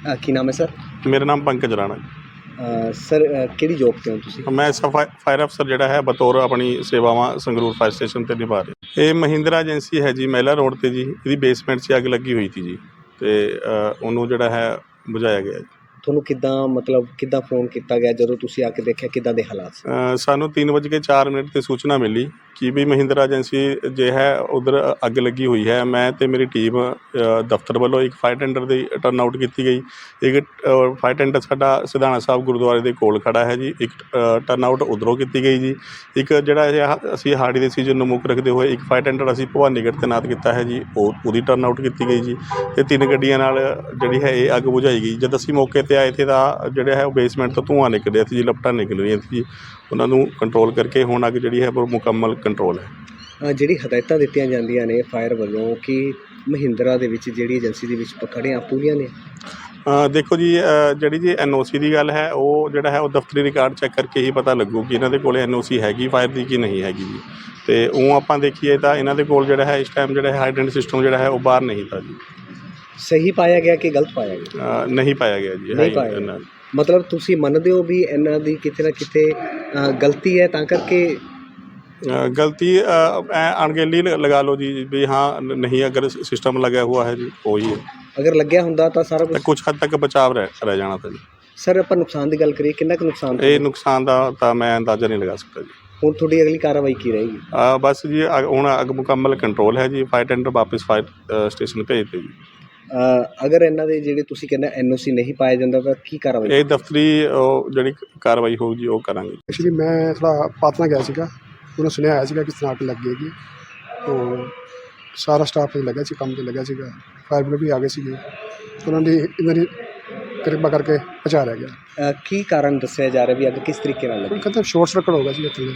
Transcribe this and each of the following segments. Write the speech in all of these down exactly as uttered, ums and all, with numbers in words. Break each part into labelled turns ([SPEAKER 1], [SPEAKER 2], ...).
[SPEAKER 1] ਅ, ਕੀ ਨਾਮ ਹੈ ਸਰ?
[SPEAKER 2] ਮੇਰਾ ਨਾਮ ਪੰਕਜ ਰਾਣਾ।
[SPEAKER 1] ਅ, ਸਰ ਅ, ਕਿਹੜੀ ਜੋਬ 'ਤੇ ਹੋ ਤੁਸੀਂ?
[SPEAKER 2] ਮੈਂ ਸਫਾ ਫਾਇਰ ਅਫਸਰ ਜਿਹੜਾ ਹੈ ਬਤੌਰ ਆਪਣੀ ਸੇਵਾਵਾਂ ਸੰਗਰੂਰ ਫਾਇਰ ਸਟੇਸ਼ਨ 'ਤੇ ਨਿਭਾ ਰਿਹਾ। ਇਹ ਮਹਿੰਦਰਾ ਏਜੰਸੀ ਹੈ ਜੀ, ਮਹਿਲਾ ਰੋਡ 'ਤੇ ਜੀ। ਇਹਦੀ ਬੇਸਮੈਂਟ 'ਚ ਅੱਗ ਲੱਗੀ ਹੋਈ ਸੀ ਜੀ, ਅਤੇ ਉਹਨੂੰ ਜਿਹੜਾ ਹੈ ਬੁਝਾਇਆ ਗਿਆ ਜੀ।
[SPEAKER 1] ਤੁਹਾਨੂੰ ਕਿੱਦਾਂ ਮਤਲਬ ਕਿੱਦਾਂ ਫੋਨ ਕੀਤਾ ਗਿਆ ਜਦੋਂ ਤੁਸੀਂ ਆ ਕੇ ਦੇਖਿਆ, ਕਿੱਦਾਂ ਦੇ ਹਾਲਾਤ ਸੀ?
[SPEAKER 2] ਅ, ਸਾਨੂੰ ਤਿੰਨ ਵੱਜ ਕੇ ਚਾਰ ਮਿੰਟ 'ਤੇ ਸੂਚਨਾ ਮਿਲੀ ਕਿ ਵੀ ਮਹਿੰਦਰਾ ਏਜੰਸੀ ਜੇ ਹੈ ਉੱਧਰ ਅੱਗ ਲੱਗੀ ਹੋਈ ਹੈ। ਮੈਂ ਅਤੇ ਮੇਰੀ ਟੀਮ ਅ, ਦਫ਼ਤਰ ਵੱਲੋਂ ਇੱਕ ਫਾਇਰ ਟੈਂਡਰ ਦੀ ਟਰਨ ਆਊਟ ਕੀਤੀ ਗਈ। ਇੱਕ ਅ, ਫਾਇਰ ਟੈਂਡਰ ਸਾਡਾ ਸਿਧਾਣਾ ਸਾਹਿਬ ਗੁਰਦੁਆਰੇ ਦੇ ਕੋਲ ਖੜ੍ਹਾ ਹੈ ਜੀ। ਇੱਕ ਅ, ਟਰਨ ਆਊਟ ਉੱਧਰੋਂ ਕੀਤੀ ਗਈ ਜੀ। ਇੱਕ ਜਿਹੜਾ ਇਹ ਹ- ਅਸੀਂ ਹਾੜੀ ਦੇ ਸੀਜ਼ਨ ਨੂੰ ਮੁੱਖ ਰੱਖਦੇ ਹੋਏ ਇੱਕ ਫਾਇਰ ਟੈਂਡਰ ਅਸੀਂ ਭਵਾਨੀਗੜ੍ਹ ਤੈਨਾਤ ਕੀਤਾ ਹੈ ਜੀ, ਉਹ ਉਹਦੀ ਟਰਨ ਆਊਟ ਕੀਤੀ ਗਈ ਜੀ। ਅਤੇ ਤਿੰਨ ਗੱਡੀਆਂ ਨਾਲ ਜਿਹੜੀ ਹੈ ਇਹ ਅੱਗ ਬੁਝਾਈ ਗਈ। ਜਦ ਅਸੀਂ ਮੌਕੇ 'ਤੇ ਆਏ, ਇੱਥੇ ਦਾ ਜਿਹੜਾ ਹੈ ਉਹ ਬੇਸਮੈਂਟ ਤੋਂ ਧੂੰਆਂ ਨਿਕਲ ਰਿਹਾ ਸੀ ਜੀ, ਲਪਟਾਂ ਨਿਕਲ ਰਹੀਆਂ ਸੀ ਜੀ। ਉਹਨਾਂ ਨੂੰ ਕੰਟਰੋਲ ਕਰਕੇ ਹੁਣ ਅੱਗ ਜਿਹੜੀ ਹੈ ਉਹ ਮੁਕੰਮਲ ਕੰਟਰੋਲ ਹੈ।
[SPEAKER 1] ਅ, ਜਿਹੜੀ ਹਦਾਇਤਾਂ ਦਿੱਤੀਆਂ ਜਾਂਦੀਆਂ ਨੇ ਫਾਇਰ ਵੱਲੋਂ ਕਿ ਮਹਿੰਦਰਾ ਦੇ ਵਿੱਚ ਜਿਹੜੀ ਏਜੰਸੀ ਦੇ ਵਿੱਚ ਖੜ੍ਹੇ ਆ, ਪੂਰੀਆਂ ਨੇ?
[SPEAKER 2] ਅ, ਦੇਖੋ ਜੀ, ਅ, ਜਿਹੜੀ ਜੀ ਐਨ ਓ ਸੀ ਦੀ ਗੱਲ ਹੈ, ਉਹ ਜਿਹੜਾ ਹੈ ਉਹ ਦਫ਼ਤਰੀ ਰਿਕਾਰਡ ਚੈੱਕ ਕਰਕੇ ਹੀ ਪਤਾ ਲੱਗੂ ਕਿ ਇਹਨਾਂ ਦੇ ਕੋਲ ਐਨ ਓ ਸੀ ਹੈਗੀ ਫਾਇਰ ਦੀ ਕਿ ਨਹੀਂ ਹੈਗੀ ਜੀ। ਅਤੇ ਉਹ ਆਪਾਂ ਦੇਖੀਏ ਤਾਂ ਇਹਨਾਂ ਦੇ ਕੋਲ ਜਿਹੜਾ ਹੈ ਇਸ ਟਾਈਮ ਜਿਹੜਾ ਹੈ ਹਾਈਡਰੈਂਟ ਸਿਸਟਮ ਜਿਹੜਾ ਹੈ ਉਹ ਬਾਹਰ ਨਹੀਂ ਤਾ ਜੀ।
[SPEAKER 1] ਸਹੀ ਪਾਇਆ ਗਿਆ ਕਿ ਗਲਤ ਪਾਇਆ ਗਿਆ?
[SPEAKER 2] ਅ, ਨਹੀਂ ਪਾਇਆ ਗਿਆ ਜੀ।
[SPEAKER 1] ਨਹੀਂ ਪਾਇਆ ਗਿਆ। ਮਤਲਬ ਤੁਸੀਂ ਮੰਨਦੇ ਹੋ ਵੀ ਇਹਨਾਂ ਦੀ ਕਿਤੇ ਨਾ ਕਿਤੇ ਅ, ਗਲਤੀ ਹੈ, ਤਾਂ ਕਰਕੇ
[SPEAKER 2] ਅ, ਗਲਤੀ ਅ, ਐ ਅਣਗਹਿਲੀ ਲ- ਲਗਾ ਲਓ ਜੀ ਵੀ ਹਾਂ, ਨ- ਨਹੀਂ ਅਗਰ ਸਿਸਟਮ ਲਗਿਆ ਹੁਆ ਹੈ ਜੀ, ਉਹੀ ਹੈ।
[SPEAKER 1] ਅਗਰ ਲੱਗਿਆ ਹੁੰਦਾ ਤਾਂ ਸਾਰਾ
[SPEAKER 2] ਤਾਂ
[SPEAKER 1] ਕੁਝ?
[SPEAKER 2] ਕੁਛ ਹੱਦ ਤੱਕ ਬਚਾਵ ਰਹਿ ਰਹਿ ਜਾਣਾ ਤਾਂ ਜੀ।
[SPEAKER 1] ਸਰ ਆਪਾਂ ਨੁਕਸਾਨ ਦੀ ਗੱਲ ਕਰੀਏ, ਕਿੰਨਾ ਕੁ ਨੁਕਸਾਨ
[SPEAKER 2] ਇਹ ਨੁਕਸਾਨ ਦਾ ਤਾਂ ਮੈਂ ਅੰਦਾਜ਼ਾ ਨਹੀਂ ਲਗਾ ਸਕਦਾ ਜੀ।
[SPEAKER 1] ਹੁਣ ਤੁਹਾਡੀ ਅਗਲੀ ਕਾਰਵਾਈ ਕੀ ਰਹੇਗੀ?
[SPEAKER 2] ਅ, ਬਸ ਜੀ, ਅ- ਹੁਣ ਅੱਗ ਮੁਕੰਮਲ ਕੰਟਰੋਲ ਹੈ ਜੀ। ਫਾਇਰ ਟੈਂਡਰ ਵਾਪਸ ਫਾਇਰ ਅ, ਸਟੇਸ਼ਨ ਭੇਜ ਦਿੱਤੇ ਜੀ।
[SPEAKER 1] ਅ, ਅਗਰ ਇਹਨਾਂ ਦੇ ਜਿਹੜੇ ਤੁਸੀਂ ਕਹਿੰਦੇ ਐਨ ਓ ਸੀ ਨਹੀਂ ਪਾਇਆ ਜਾਂਦਾ ਤਾਂ ਕੀ ਕਾਰਵਾਈ?
[SPEAKER 2] ਇਹ ਦਫ਼ਤਰੀ ਉਹ ਜਿਹੜੀ ਕਾਰਵਾਈ ਹੋਊਗੀ ਉਹ ਕਰਾਂਗੇ।
[SPEAKER 3] ਐਕਚੁਅਲੀ ਮੈਂ ਥੋੜ੍ਹਾ ਪਾਤਨਾ ਗਿਆ ਸੀਗਾ, ਉਹਨੂੰ ਸੁਣਿਆ ਆਇਆ ਸੀਗਾ ਕਿ ਇਸ ਤਰ੍ਹਾਂ ਅੱਗ ਲੱਗ ਗਈ। ਤੋ ਸਾਰਾ ਸਟਾਫ ਲੱਗਿਆ ਸੀ, ਕੰਮ 'ਤੇ ਲੱਗਿਆ ਸੀਗਾ। ਫਾਇਰ ਬ੍ਰਿਗੇਡ ਵੀ ਆ ਗਏ ਸੀਗੇ, ਉਹਨਾਂ ਨੇ ਇਹਨਾਂ ਦੀ ਕਿਰਪਾ ਕਰਕੇ ਬਚਾ ਲਿਆ ਗਿਆ।
[SPEAKER 1] ਅ, ਕੀ ਕਾਰਨ ਦੱਸਿਆ ਜਾ ਰਿਹਾ ਵੀ ਅੱਗ ਕਿਸ ਤਰੀਕੇ ਨਾਲ
[SPEAKER 3] ਉਹ
[SPEAKER 1] ਲੱਗੀ?
[SPEAKER 3] ਕਹਿੰਦਾ ਸ਼ੋਰਟ ਸਰਕਟ ਹੋ ਗਿਆ ਸੀ ਇੱਥੇ।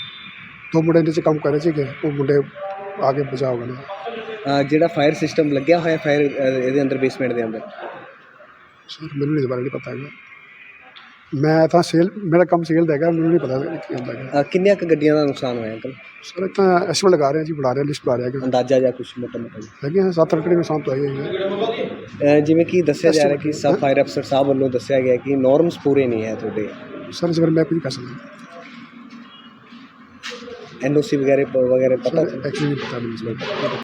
[SPEAKER 3] ਦੋ ਮੁੰਡੇ ਇਹਦੇ 'ਚ ਕੰਮ ਕਰ ਰਹੇ ਸੀਗੇ, ਉਹ ਮੁੰਡੇ ਆ ਕੇ ਬਚਾ ਹੋ ਗਏ।
[SPEAKER 1] ਅ, ਜਿਹੜਾ ਫਾਇਰ ਸਿਸਟਮ ਲੱਗਿਆ ਹੋਇਆ ਫਾਇਰ ਇਹਦੇ ਅੰਦਰ ਬੇਸਮੈਂਟ ਦੇ ਅੰਦਰ?
[SPEAKER 3] ਸਰ ਮੈਨੂੰ ਇਸ ਬਾਰੇ ਨਹੀਂ ਪਤਾ ਹੈਗਾ। ਮੈਂ ਤਾਂ ਸੇਲ, ਮੇਰਾ ਕੰਮ ਸੇਲ ਦਾ ਹੈਗਾ, ਮੈਨੂੰ ਨਹੀਂ ਪਤਾ ਕੀ ਹੁੰਦਾ ਹੈਗਾ।
[SPEAKER 1] ਅ, ਕਿੰਨੀਆਂ ਕੁ ਗੱਡੀਆਂ ਦਾ ਨੁਕਸਾਨ ਹੋਇਆ ਅੰਕਲ?
[SPEAKER 3] ਸਰ ਇਹ ਤਾਂ ਐਸਟੀਮੇਟ ਲਗਾ ਰਹੇ ਹਾਂ ਜੀ, ਬਣਾ ਰਹੇ ਹਾਂ, ਲਿਸਟ ਬਣਾ ਰਹੇ ਹੈਗੇ।
[SPEAKER 1] ਅੰਦਾਜ਼ਾ ਜਾਂ ਕੁਛ ਮੋਟਾ ਮੋਟਾ ਜੀ?
[SPEAKER 3] ਹੈਗੇ ਹਾਂ ਸੱਤ ਅੱਠ ਨੁਕਸਾਨ ਤੋਂ ਆਈ ਹੈ।
[SPEAKER 1] ਅ, ਜਿਵੇਂ ਕਿ ਦੱਸਿਆ ਜਾ ਰਿਹਾ ਕਿ ਸਬ ਫਾਇਰ ਅਫਸਰ ਸਾਹਿਬ ਵੱਲੋਂ ਦੱਸਿਆ ਗਿਆ ਕਿ ਨੋਰਮਸ ਪੂਰੇ ਨਹੀਂ ਹੈ ਤੁਹਾਡੇ।
[SPEAKER 3] ਸਰ ਇਸ ਬਾਰੇ ਮੈਂ ਕੁਝ ਨਹੀਂ ਕਰ ਸਕਦਾ।
[SPEAKER 1] ਐਨ ਓ ਸੀ ਵਗੈਰਹ ਵਗੈरਹ ਪਤਾ?
[SPEAKER 3] ਐਕਚੁਅਲੀ ਨਹੀਂ ਪਤਾ ਮੈਨੂੰ ਇਸ ਬਾਰੇ।